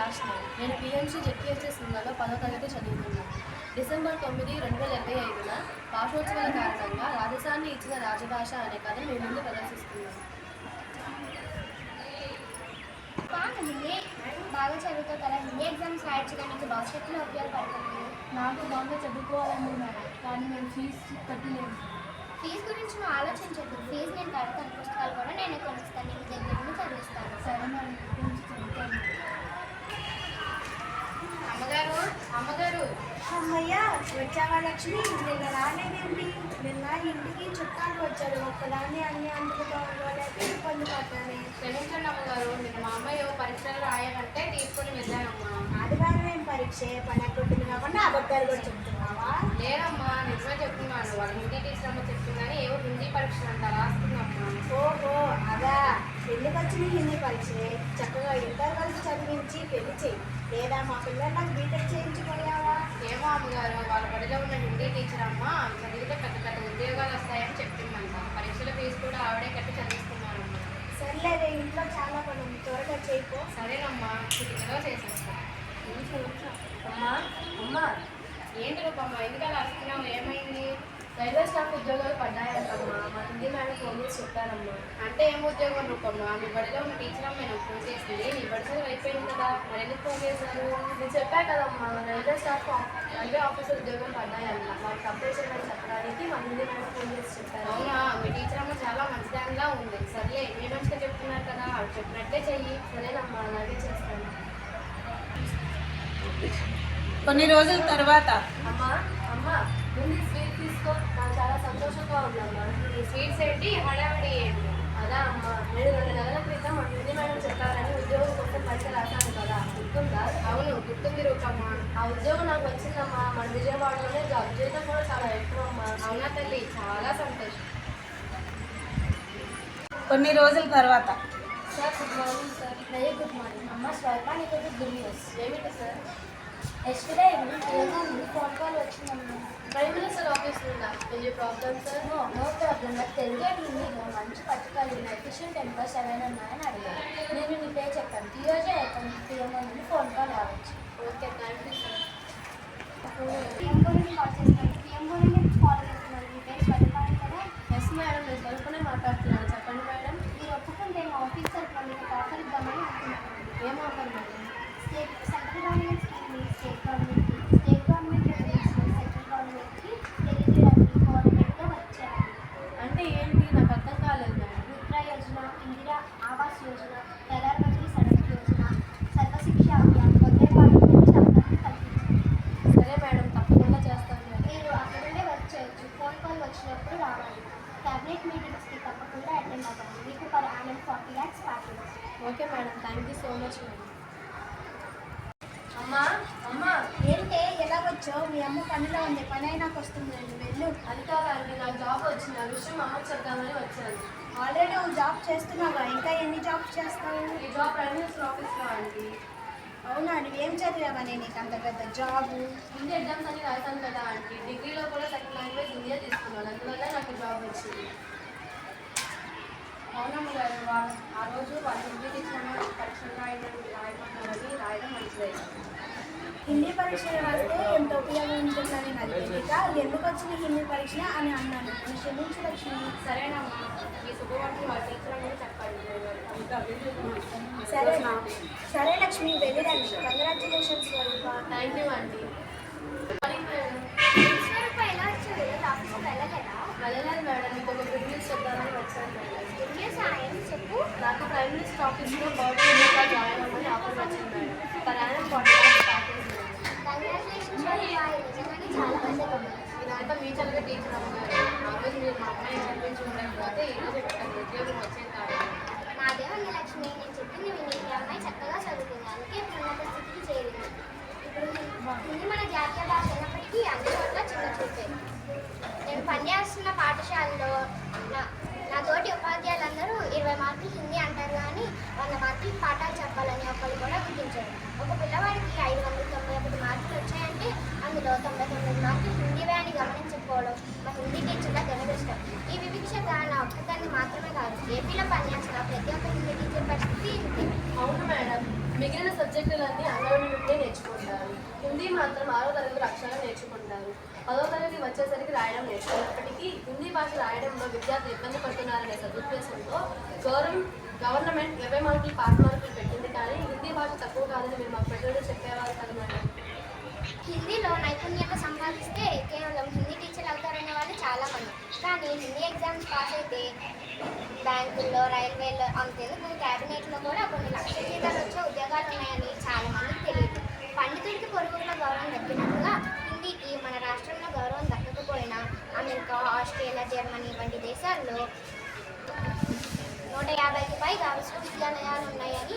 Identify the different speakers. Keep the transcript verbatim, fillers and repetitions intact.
Speaker 1: Class nine. నేను PMC ZPSC సినిమాలో పదో తరగతి చదువుతున్నాను. డిసెంబర్ తొమ్మిది రెండు వేల ఇరవై ఐదున భాషోత్సవాల కారణంగా రాజధాని ఇచ్చిన రాజభాష అనే కథను మీ ముందు ప్రదర్శిస్తున్నాను.
Speaker 2: బాగా చదువుతావు కదా, హిందీ ఎగ్జామ్స్ రాయొచ్చు కానీ నీకు భవిష్యత్తులో ఉపయోగపడుతుంది.
Speaker 1: నాకు బాగా చదువుకోవాలని మేడం, కానీ మేము ఫీజు కట్టలేము.
Speaker 2: ఫీజు గురించి నువ్వు ఆలోచించద్దు. ఫీజు నేను కడతాను, పుస్తకాలు కూడా నేనే కొనిస్తాను, నేను దగ్గర నుండి చదివిస్తాను.
Speaker 1: సరే మేడం, గురించి చదువుతాను.
Speaker 3: అమ్మగారు అమ్మగారు
Speaker 4: అమ్మయ్య వచ్చావా లక్ష్మి? నిన్న రాలేదేంటి? నిన్న ఇంటికి చుట్టాలు వచ్చారు, ఒక్కదాన్ని అన్ని అందుకోలేక ఇబ్బంది పడ్డాను.
Speaker 3: క్షమించండి అమ్మగారు, నిన్న మా అమ్మాయి పరీక్షలు రాయాలంటే తీసుకొని వెళ్ళానమ్మా.
Speaker 4: ఆదివారం ఏం పరీక్ష? పని అక్కడుంటుంది కాబట్టి అబద్ధాలు కూడా చెప్తున్నావా?
Speaker 3: లేదమ్మా, నిజమే చెప్తున్నాను. వాళ్ళ హిందీ టీచర్ అమ్మ చెప్తుందని ఏవో హిందీ పరీక్షలు అంట రాస్తుందమ్మా.
Speaker 4: ఓహో అదా, పెళ్ళికి వచ్చిన హిందీ పరీక్ష చక్కగా ఇంటర్ వరకు చదివించి పెళ్లి చేయి, లేదా మా పిల్లలకు బీటెక్ చేయించిపోయావా?
Speaker 3: ఏమో అమ్మగారు, వాళ్ళ బడిలో ఉన్న హిందీ టీచర్ అమ్మ చదివితే పెద్ద పెద్ద ఉద్యోగాలు వస్తాయని చెప్తుందంట. పరీక్షల ఫీజు కూడా ఆవిడే కట్టి చదివిస్తున్నారమ్మా.
Speaker 4: సర్లేదే, ఇంట్లో చాలా పని ఉంది, త్వరగా చేయిపో.
Speaker 3: సరేనమ్మా, చిటికలో చేసేస్తా.
Speaker 1: అమ్మా అమ్మా
Speaker 3: ఏంటి రూపమ్మా, ఎందుకలా వస్తున్నావు? ఏమైంది?
Speaker 1: రైల్వే స్టాఫ్ ఉద్యోగాలు పడ్డాయంటమ్మా. మా హిందీ మేడం ఫోన్ చేసి చెప్పారమ్మా.
Speaker 3: అంటే ఏం ఉద్యోగం రూపమ్మా? మీ బడిలో ఉన్న టీచర్ అమ్మ నేను ఫోన్ చేసింది. నీ బడి చదువు అయిపోయింది కదా, మరి ఎందుకు ఫోన్ చేశారు?
Speaker 1: నేను చెప్పా కదమ్మా, రైల్వే స్టాఫ్ రైల్వే ఆఫీసర్ ఉద్యోగం పడ్డాయన్న. వాళ్ళకి అప్లై చేయమని చెప్పడానికి మా హిందీ మేడం ఫోన్ చేసి చెప్పారు.
Speaker 3: అవునా, మీ టీచర్ అమ్మ చాలా మంచిదానిలా ఉంది. సర్లే, మీ మంచిగా చెప్తున్నారు కదా, ఆవిడ చెప్పినట్టే చెయ్యి.
Speaker 1: సరేనమ్మా, అలాగే చేస్తాను.
Speaker 5: కొన్ని రోజుల తర్వాత
Speaker 1: అమ్మా అమ్మా ముందు స్వీట్ తీసుకో, నాకు చాలా సంతోషంగా ఉందమ్మా.
Speaker 3: ఈ స్వీట్స్ ఏంటి, హడావిడి ఏంటి?
Speaker 1: అదా అమ్మా, నేను రెండు నెలల క్రితం మా హిందీ మేడం చెప్పారని ఉద్యోగం కోసం పరీక్ష రాశాను కదా, గుర్తుందా?
Speaker 3: అవును, గుర్తుంది రూపమ్మా.
Speaker 1: ఆ ఉద్యోగం నాకు వచ్చిందమ్మా. మన విజయవాడలోనే జాబ్ జీతం కూడా చాలా ఎక్కువ అమ్మా.
Speaker 3: అవునా తల్లి, చాలా సంతోషం.
Speaker 5: కొన్ని రోజుల తర్వాత
Speaker 1: sir good morning sir.
Speaker 2: Very good morning అమ్మ. స్వల్ప నీకు గుడ్ న్యూస్.
Speaker 1: ఏమిటి సార్?
Speaker 2: ఎస్టర్డే ఈవినింగ్ ఏమో ఫోన్ కాల్ వచ్చిందమ్మా.
Speaker 1: ప్రైమ్ మినిస్టర్ ఆఫీస్ నుండా? Any problem sir?
Speaker 2: No no problem. నాకు తెలుగు అండ్ హిందీలో మంచి పథకాలు ఉన్నాయి, ఎఫిషియెంట్ ఎంప్లాయీస్ ఎవరైనా ఉన్నాయని అడిగారు. నేను నీ పే చెప్పాను, ఈరోజే అయిపోయింది. పిఎంఓ నుండి ఫోన్ కాల్ రావచ్చు.
Speaker 1: Okay, thank you sir.
Speaker 2: PMO నుండి కాల్ చేస్తాను. పిఎంఓ నుండి కాల్ చేస్తున్నాను. మీ పేరు స్వల్ప కదా?
Speaker 1: ఎస్ మేడం, నేను స్వల్పనే మాట్లాడుతున్నాను. చెప్పండి మేడం.
Speaker 2: మీరు ఒప్పుకుంటే మా ఆఫీస్ తరఫున మీకు ఆఫర్ ఇద్దామని అనుకున్నాను.
Speaker 1: ఏం offer madam?
Speaker 2: State central government స్కీమ్ని స్టేట్ గవర్నమెంట్కి, స్టేట్ గవర్నమెంట్ సెంట్రల్ గవర్నమెంట్కి తెలియజేయడానికి గవర్నమెంట్గా వచ్చారు.
Speaker 1: అంటే ఏంటి, నాకు అర్థం కాలేదు మేడం.
Speaker 2: ముద్రా యోజన, ఇందిరా ఆవాస్ యోజన, ప్రధానమంత్రి సడక్ యోజన, సర్వశిక్ష అభియాన్ మొదలైన వాటి గురించి అవగాహన కల్పించారు.
Speaker 1: సరే మేడం, తప్పకుండా చేస్తాను మేడం.
Speaker 2: మీరు అక్కడ నుండే వర్క్ చేయొచ్చు. ఫోన్ కాల్ వచ్చినప్పుడు రావాలి. క్యాబినెట్ మీటింగ్స్కి తప్పకుండా అటెండ్ అవ్వాలి. మీకు per annum forty lakhs package.
Speaker 1: Okay madam, thank you so much madam. అమ్మా అమ్మా
Speaker 4: ఏంటే ఎలా వచ్చావు? మీ అమ్మ పనిలో ఉంది, పని అయినాక వస్తుంది, నేను వెళ్ళు.
Speaker 1: అది కాదండి, నాకు జాబ్ వచ్చింది. ఆ విషయం మా అమ్మకి చెప్తామని వచ్చాను.
Speaker 4: ఆల్రెడీ నువ్వు జాబ్ చేస్తున్నావా? ఇంకా ఎన్ని జాబ్స్ చేస్తావు?
Speaker 1: ఈ జాబ్ ప్రైమ్ మినిస్టర్ ఆఫీస్లో అండి.
Speaker 4: అవునా, నువ్వేం చదివావని నీకు అంత పెద్ద జాబు?
Speaker 1: హిందీ ఎగ్జామ్స్ అన్ని రాశాను కదా అండి. డిగ్రీలో కూడా సెకండ్ లాంగ్వేజ్ హిందీ తీసుకున్నాను, అందువల్ల నాకు జాబ్ వచ్చింది.
Speaker 3: అవునమ్మ గారు, వాళ్ళు ఆ రోజు వాళ్ళు హిందీ టీచర్ పరీక్షలు రాయడం రాయమన్నారని రాయడం మంచిదైంది.
Speaker 4: హిందీ పరీక్షలు రాస్తే ఎంత ఉపయోగం ఉంటుందని నాకు తెలియక ఎందుకు వచ్చిన హిందీ పరీక్ష అని అన్నాను. నేను క్షమించు లక్ష్మి.
Speaker 3: సరేనమ్మా, ఈ శుభవార్తలు వాళ్ళ టీచర్ అని చెప్పండి.
Speaker 4: సరే సరే లక్ష్మి, వెళ్ళిరండి. Congratulations Swaroopa.
Speaker 1: థ్యాంక్ యూ అండి.
Speaker 2: ఎలా వచ్చారు? ఆఫీస్కి వెళ్ళలేదా?
Speaker 1: వెళ్ళలేదు మేడం, మీకు ఒక గుడ్ న్యూస్ చెప్తామని వచ్చాను మేడం.
Speaker 2: గుడ్ న్యూస్ ఏం చెప్పు.
Speaker 1: నాకు ప్రైమ్ మినిస్టర్ ఆఫీస్లో గవర్నమెంట్గా జాయిన్ అవ్వమని ఆఫర్ వచ్చింది మేడం. ప్రయాణం forty lakhs package madam.
Speaker 2: Congratulations నిజంగానే చాలా మంది.
Speaker 3: ఇదంతా మీ చదివే టీచర్ అమ్మగారు. ఆ రోజు మీరు మా అమ్మాయి చదివించి ఉండకపోతే ఈరోజు పెట్టండి, ఉద్యోగం వచ్చేది కాదు.
Speaker 2: నాదే ఉంది లక్ష్మి, నేను చెప్పింది విని మీ అమ్మాయి చక్కగా చదువుతుంది, అందుకే ఇప్పుడు ఉన్నత స్థితికి చేరింది. ఇప్పుడు హిందీ మన జాతీయ భాష అయినప్పటికీ అన్ని చోట్ల చిన్న చూపే. నేను పనిచేస్తున్న పాఠశాలలో నా నా తోటి ఉపాధ్యాయులందరూ ఇరవై మార్కులు హిందీ అంటారు కానీ వంద మార్కులు పాఠాలు చెప్పాలని ఒకళ్ళు కూడా గుర్తించారు. ఒక పిల్లవాడికి ఐదు వందల తొంభై ఒకటి మార్కులు వచ్చాయంటే అందులో తొంభై తొమ్మిది మార్కులు హిందీవే అని గమనించకపోవడం మా హిందీ టీచర్ల దురదృష్టం. ఈ వివక్షత నా ఒక్కదాన్ని మాత్రమే కాదు, ఏపీలో పనిచేస్తున్న ప్రతి ఒక్క హిందీ టీచర్ పరిస్థితి ఇంతే.
Speaker 1: అవును మేడం, మిగిలిన సబ్జెక్టుల భాషలన్నీ అంగడి నుండే నేర్చుకుంటారు. హిందీ మాత్రం ఆరో తరగతి అక్షరాలు నేర్చుకుంటారు. పదో తరగతి వచ్చేసరికి రాయడం నేర్చుకున్నప్పటికీ హిందీ భాష రాయడంలో విద్యార్థులు ఇబ్బంది పడుతున్నారనే సదుద్దేశంతో గవర్నమెంట్ గవర్నమెంట్ ఇరవై మార్కులు పాస్ మార్కులు పెట్టింది. కానీ హిందీ భాష తక్కువ కాదని మీరు మాకు పెద్దలు చెప్పేవారు కదా మేడం.
Speaker 2: హిందీలో నైపుణ్యత సంపాదిస్తే కేవలం హిందీ టీచర్ అవుతారనే వాళ్ళు చాలామంది. కానీ హిందీ ఎగ్జామ్స్ పాస్ అయితే బ్యాంకుల్లో, రైల్వేలో, అంతేందుకు క్యాబినెట్లో కూడా కొన్ని లక్షల జీతాలు వచ్చే ఉద్యోగాలు ఉన్నాయని చాలామందికి తెలియదు. పండితుడికి పొరుగుల గౌరవం దక్కినట్టుగా హిందీకి మన రాష్ట్రంలో గౌరవం దక్కకపోయినా అమెరికా, ఆస్ట్రేలియా, జర్మనీ వంటి దేశాల్లో నూట యాభైకి పైగా విశ్వవిద్యాలయాలు ఉన్నాయని